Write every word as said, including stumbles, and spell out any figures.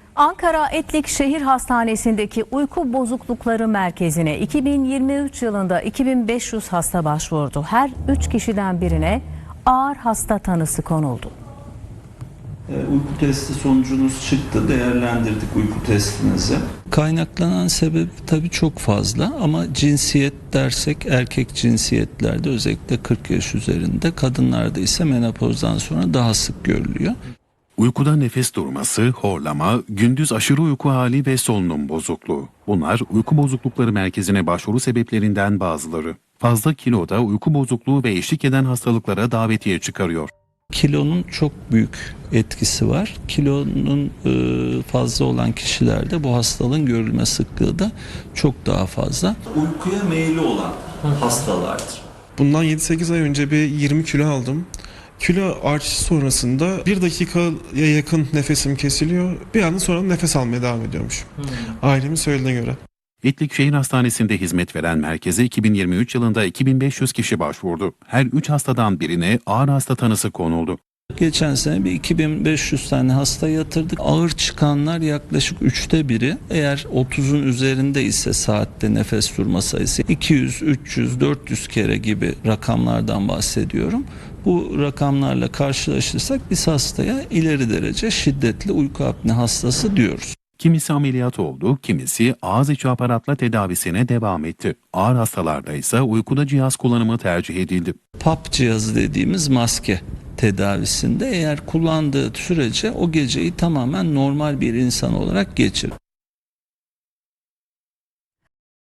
Ankara Etlik Şehir Hastanesi'ndeki uyku bozuklukları merkezine iki bin yirmi üç yılında iki bin beş yüz hasta başvurdu. Her üç kişiden birine ağır hasta tanısı konuldu. Uyku testi sonucunuz çıktı, değerlendirdik uyku testinizi. Kaynaklanan sebep tabii çok fazla ama cinsiyet dersek erkek cinsiyetlerde özellikle kırk yaş üzerinde, kadınlarda ise menopozdan sonra daha sık görülüyor. Uykuda nefes durması, horlama, gündüz aşırı uyku hali ve solunum bozukluğu. Bunlar uyku bozuklukları merkezine başvuru sebeplerinden bazıları. Fazla kilo da uyku bozukluğu ve eşlik eden hastalıklara davetiye çıkarıyor. Kilonun çok büyük etkisi var. Kilonun fazla olan kişilerde bu hastalığın görülme sıklığı da çok daha fazla. Uykuya meyilli olan hastalardır. Bundan yedi sekiz ay önce bir yirmi kilo aldım. Kilo artışı sonrasında bir dakikaya yakın nefesim kesiliyor. Bir anda sonra nefes almaya devam ediyormuş. Hmm. Ailemin söylediğine göre. Etlik Şehir Hastanesi'nde hizmet veren merkeze iki bin yirmi üç yılında iki bin beş yüz kişi başvurdu. Her üç hastadan birine ağır hasta tanısı konuldu. Geçen sene bir iki bin beş yüz tane hasta yatırdık. Ağır çıkanlar yaklaşık üçte biri. Eğer otuzun üzerinde ise saatte nefes durma sayısı iki yüz, üç yüz, dört yüz kere gibi rakamlardan bahsediyorum. Bu rakamlarla karşılaşırsak biz hastaya ileri derece şiddetli uyku apne hastası diyoruz. Kimisi ameliyat oldu, kimisi ağız içi aparatla tedavisine devam etti. Ağır hastalarda ise uykuda cihaz kullanımı tercih edildi. P A P cihazı dediğimiz maske tedavisinde eğer kullandığı sürece o geceyi tamamen normal bir insan olarak geçirir.